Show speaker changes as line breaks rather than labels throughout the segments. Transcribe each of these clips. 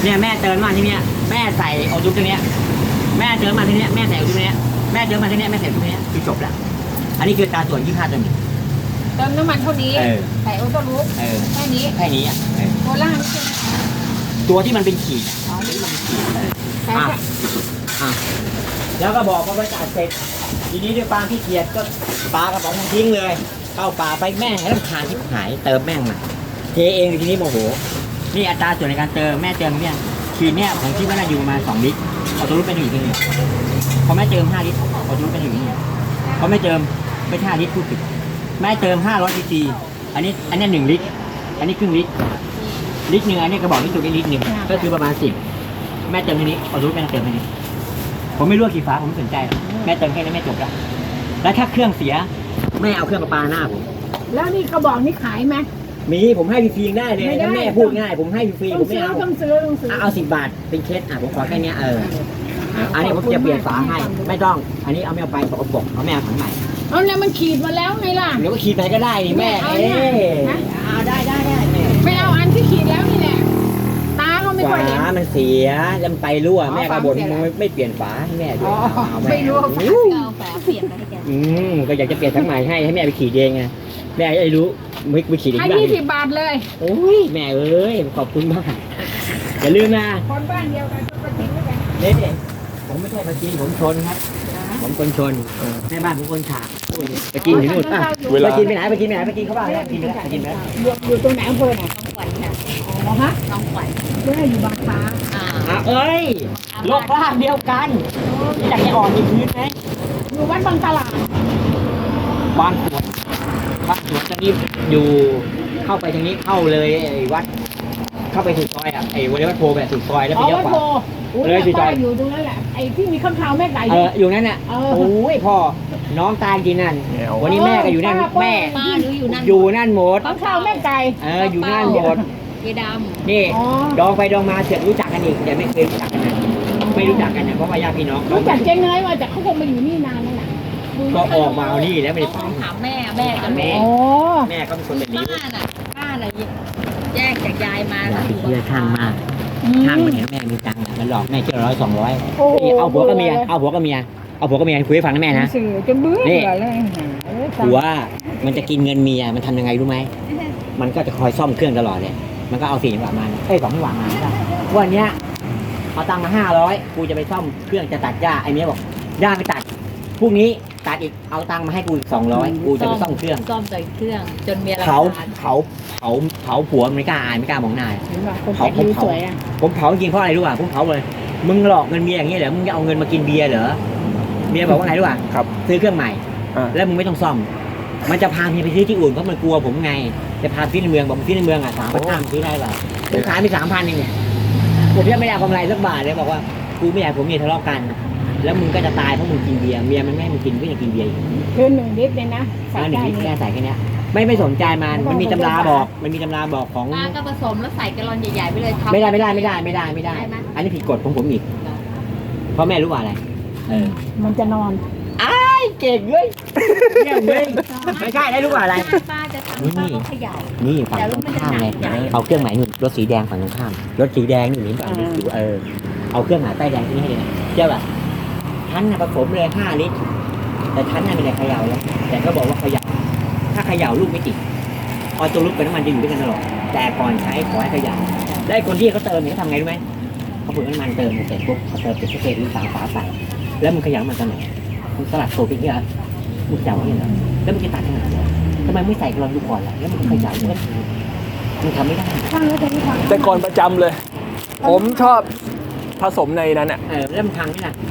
เนี่ยแม่เติมมาที่เนี้ยแม่ใส่ออยุบตรงเนี้ยแม่เติมมาที่เนี้ยแม่ใส่ออยุบตรงเนี้ยแม่เติมมาที่เนี้ยแม่ใส่ตรงเนี้ยคือจบแล้วอันนี้คือตาส่วน25ตัวนี้
เติมน้ำมันเท่านี้ใส่ออโต้ลูปแค่นี้
อ่ะ
โคล่านี่ใช่ไหม
ตัวที่มันเป็นขีดที่มันเป็นขีด
ใช่
แล้วก็บอกว่าจ่ายเสร็จทีนี้ด้วยความขี้เกียจก็ปลากระป๋องทิ้งเลยเข้าป่าไปแม่งให้รำคาญที่หายเติมแม่งมาเทเองทีนี้โมโหนี่อัตราส่วนในการเติมแม่เติมเนี่ยขีดเนี่ยผมคิดว่าน่าอยู่ประมาณ2 ลิตรเอาตัวรูปเป็น1 ลิตรพอแม่เติม5 ลิตรเอาตัวรูปเป็น1 ลิตรพอแม่เติมไม่5 ลิตรพูดผิดแม่เติม500 ซีซีอันนี้1 ลิตรอันนี้ครึ่งลิตรลิตรหนึ่งอันนี้กระบอกนี่ตัวนี้ลิตรหนึ่งก็คือประมาณ10แม่เติมทีนี้เอาตัวรูปแม่เติมทีนี้ผมไม่รู้กี่ฝาผมไม่สนใจแม่เติมแค่นี้แม่จบแล้วถ้าเครื่องเสียแม่เอาเครื่องประปาหน้าผม
แล้วนี่กระบอกนี่ขายไหม
มีผมให้ฟรีๆได้เลยถ้าแม่พูดง่ายผมให้ฟรีผมไม่เอา
ต้องซื้อ
เอา10 บาทเป็นเคสผมขอแค่นี้อันนี้ผมจะเปลี่ยนฝาให้ไม่ต้องอันนี้เอาไม่เอาไปเอาปกเอาแม่เอาถังใหม่
เอาแล้วมันขีดมาแล้วไงล่ะ
เดี๋ยวก็ขีดไปก็ได้นี่แม่เอาได้
ไม่เอาอันที่ขีดแล้วนี่แหละตาก็ไม่ค่อยเห็น
ฝามันเสียแล้วมันไปรั่วแม่ก็บ่นไม่เปลี่ยนฝาให้แม่ด้วย
ไม่รู้เอาฝาเปลี่ยนไปให้แก
ก็อยากจะเปลี่ยนทั้งใหม่ให้แม่ไปขีดเองไงแม่ไอ้รู้ไม่ขีดเอง
ได้20 บาทเลย
โอ้ยแม่เอ้ยขอบคุณมากอย่าลืมนะ
คนบ้านเดียวกันก็จริงด้วยกัน
นี่ผมไม่ใช่ปาจีนผมชนครับผมคนชนแม่บ้านผมคนฉากไปกินถึงนู่นไปกินไปไหนไปกินเขาบ้างกินไปแล้วกินไปแล้ว
อยู่ตรงไหนอำเภอไหนน้องขวัญค่ะอ๋อฮะน้องขวัญด้วยอยู่บางค้า
เอ้ยโลกบ้านเดียวกันอยากจะอ่อนอีกทีไหม
อยู่วัดบางตลาด
บ้านสวนตอนนี้อยู่เข้าไปทางนี้เข้าเลยไอ้วัดเข้าไปสุดซอยไอ้วัดโพแบบสุดซอยแล้วไปเลี้ยวขวา
เลยสุดซอยอยู่ตรงนั้นแหละไอ้ที่มีข้างคาวแม่ไก่
อยู่นั่นน่ะโอ้ยพ่อน้องตายจริงนั่นวันนี้แม่ก็อยู่นั่นแม่อยู่นั่นหมด
ข้างคาวแม่ไก่
อยู่นั่นหมด
เกดำ
นี่ดองไปดองมาเสร็จรู้จักกันอีกแต่ไม่เคยรู้จักกันนะไม่รู้จักกันนะเพราะว่าญาติพี่น้อง
รู้จักเจ๊เนยมาจากเขาคงมาอยู่นี่นานแล้วนะ
ก็ออกมาเอานี่แล้วไม่ได้
ต้องถามแม่กัน
แม่ก็เป็นคนแบบนี้
ป้าอะไรแยกจากยายมา
เชื่อช่างมากช่างมันเห็นแม่มีตังค์มันหลอกแม่เชื่อ100 200เอาผัวกับเมียคุยให้ฟังนะแม่นะนี่ผัวมันจะกินเงินเมียมันทำยังไงรู้ไหมมันก็จะคอยซ่อมเครื่องตลอดเลยมันก็เอา4 จังหวะมา2 จังหวะมาวันนี้เอาตังค์มา500กูจะไปซ่อมเครื่องจะตัดหญ้าไอ้เมียบอกหญ้าไปตัดพรุ่งนี้ตัดอีกเอาตังค์มาให้กูอีก200กูจะไปซ่อมเครื่อง
เครื่องจนเมีย
เขาผัวไม่กล้าอายไม่กล้ามองหน้าผมเผาจริงเพราะอะไรรู้ป่ะผมเผาเลยมึงหลอกเงินเมียอย่างนี้เหรอมึงจะเอาเงินมากินเบียร์เหรอเมียบอกว่าไงรู้ป่ะ
ครับ
ซื้อเครื่องใหม่แล้วมึงไม่ต้องซ่อมมันจะพาเมียไปซื้อที่อื่นเพราะมันกลัวผมไงจะพาซื้อในเมืองบอกซื้อในเมือง3,500ซื้อได้ป่ะผมขายไป3,000เองผมยังไม่ได้กำไรสักบาทเลยบอกว่ากูไม่อยากผมเมียทะเลาะกันแล้วมึงก็จะตายเพราะมึงกินเบียร์เมียมันไม่ให้มึงกินก็จะกินเบียร์
คือ1 ลิตรเลยนะ
1 ลิตรแค่ใส่แค่นี้ไม่สนใจมันมีตำราบอกของ
ป้าก็ผสมแล้วใส่แกลลอนใหญ่ๆไปเลย
ไม่ได้อันนี้ผิดกฎของผมอีกเพราะแม่รู้ว่าอะไร
มันจะนอน
เก่งเลยเยี่ยมเลยไม่ใช่ได้รู้ว่าอะไร
ป้าจะทำป้าก็ขยาย
นี่ฝั่งตรงข้ามเลยเอาเครื่องหมายนู่นรถสีแดงฝั่งตรงข้ามรถสีแดงนี่ฝั่งนี้อยู่เอาเครื่องหมายป้ายแดงที่นี่ให้เลยนะเจ้าแบบชั้นผสมเลย5 ลิตรแต่ชั้นน่ะไม่ได้เขย่าแล้วแต่ก็บอกว่าเขย่าถ้าเขย่าลูกไม่ติดออโต้ลูกเป็นน้ำมันจะอยู่ด้วยกันตลอดแต่ก่อนใช้ขอให้เขย่าได้คนที่เขาเติมเนี่ยเขาทำไงรู้ไหมเขาเปิดน้ำมันเติมเสร็จปุ๊บเขาเติมเป็นเศษหรือ3 ฝาใส่แล้วมันเขย่ามันตอนไหนมึงสลัดโซ่ไปเนี่ยมึงเขย่าเนี่ยเหรอแล้วมึงจะตัดทำไมทำไมไม่ใส่กระลอนดูก่อนล่ะแล้วมึงเขย่าเนี่ยมึงทำไม่ได้
แต่ก่อนประจำเลยผมชอบผสมในนั้นอ่ะ
แล้วมันพังนี่นะ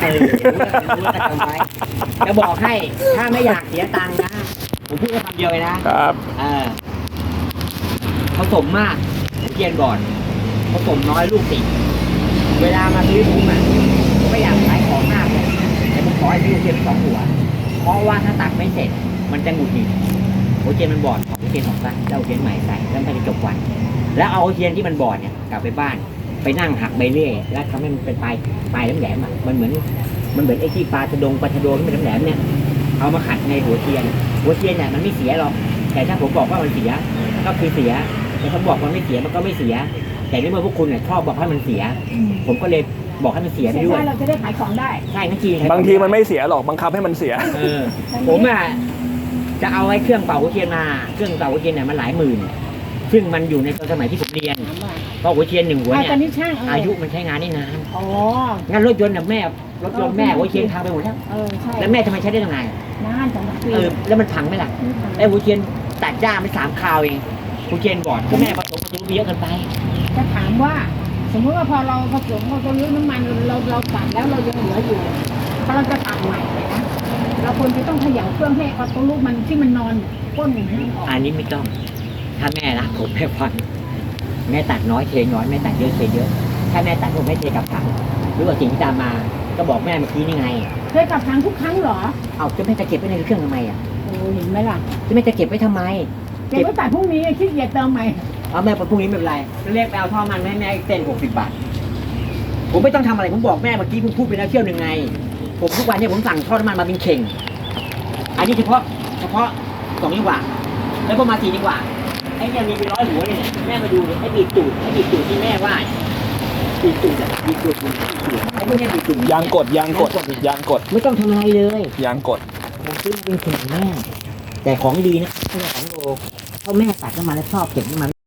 จะบอกให้ถ้าไม่อยากเสียตังค์นะผมพูดแค่คำเดียวเลยนะครับผสมมากเกียนก่อนผสมน้อยลูกติดเวลามาซื้อผมไม่อยากขายของมากเลยแต่ผมขอให้ซื้อเทียน2 หัวเพราะว่าถ้าตัดไม่เสร็จมันจะหงุดหงิดโอเทียนมันบอดของเทียนของซะแล้วเอาเทียนใหม่ใส่แล้วมันจะจบวันแล้วเอาเทียนที่มันบอดเนี่ยกลับไปบ้านไปนั่งหักใบเลื่อยแล้วทำให้มันเป็นปลายแหลมๆมันเหมือนไอ้ที่ปลาชะโดที่เป็นแหลมเนี่ยเอามาขัดในหัวเทียนเนี่ยมันไม่เสียหรอกแต่ถ้าผมบอกว่ามันเสียก็คือเสียแต่ถ้าบอกมันไม่เสียมันก็ไม่เสียแต่ในเมื่อพวกคุณเนี่ยชอบบอกให้มันเสีย ผมก็เลยบอกให้มันเสียไปด้วย
ใช่เราจะได้ขายของได้
ใช่นั่นจริง
บางทีมันไม่เสียหรอกบังคับให้มันเสีย
ผมอ่ะจะเอาไอ้เครื่องเป่าหัวเทียนมาเครื่องเป่าหัวเทียนเนี่ยมันหลายหมื่น ซึ่งมันอยู่ในตอนสมัยที่ผมเรียนเพราะหัวเทียน1 หัว
อ่า
เนี่
ตอน
ย
นี้ช่าง
อายุมันใช้งานได้นาน
อ๋อ
งั้นรถยนต์น่ะแม่รถยนต์แม่หัวเทียนพังไปหมดแล้ว
ใช่
แล้วแม่ทำไมใช้ได้ตั้งนาน
นานจังปี
แล้วมันพังไหมล่ะไอ้หัวเทียนตัดหญ้าไม่3 คราวเองหัวเทียนบอดก็แม่ผสมประจุเยอะเกินไป
จะถามว่า สมมติว่าพอเราผสมเราตัวนี้น้ำมันเราตัดแล้วเรายังเหลืออยู่พอเราจะตัดใหม่เลยนะเราควรจะต้องเขย่าเครื่องให้เอาตัวลูกมันที่มันนอนก้นอย่างนี้ออก
อันนี้ไม่ต้อง ถ้าแม่รักผมแม่ฟังแม่ตัดน้อยเทน้อยแม่ตัดเยอะเทเยอะ ถ้าแม่ตัดผมไม่เทกลับถังหรือว่าสิ่งที่ตามมา ก็บอกแม่เมื่อกี้นี่ไง
เคยกลับทางทุกครั้งเหรอ
เอาจะแม่จะเก็บไว้ในเครื่องทำไมอ่ะ
โอ้เห็นไหมล่ะ
จะแม่จะเก็บไว้ทำไม
เก็บไว้ตัดพรุ่งนี้ขี้เกียจเติมใหม่
เอาแม่พรุ่งนี้ไม่เป็นไรเรียกไปเอาท่อมันให้แม่เต้น60 บาท ผมไม่ต้องทำอะไรผมบอกแม่เมื่อกี้ผมพูดไปแล้วเที่ยวหนึ่งไง ผมทุกวันเนี่ยผมสั่งท่อน้ำมันมาเป็นเข่ง อันนี้เฉพาะ2 จังหวะแล้วก็มา4 จังหวะไอ้เนี่ยมีเป็น100 หัวเนี่ยแม่มาดูเนี่ยไอ้บีบตูดที่แม่ว่าบีบตูดอะบีบตูดไอ้พวกเนี้ยบีบตูด
ยางกดยางกดยางกด
ไม่ต้องทำอะไรเลย
ยางกด
ผมซื้อมาเป็นเข่งแม่แต่ของดีนะไม่ใช่ของโลเพราะแม่ตัดน้ำมันแล้วชอบเก็บน้ำมัน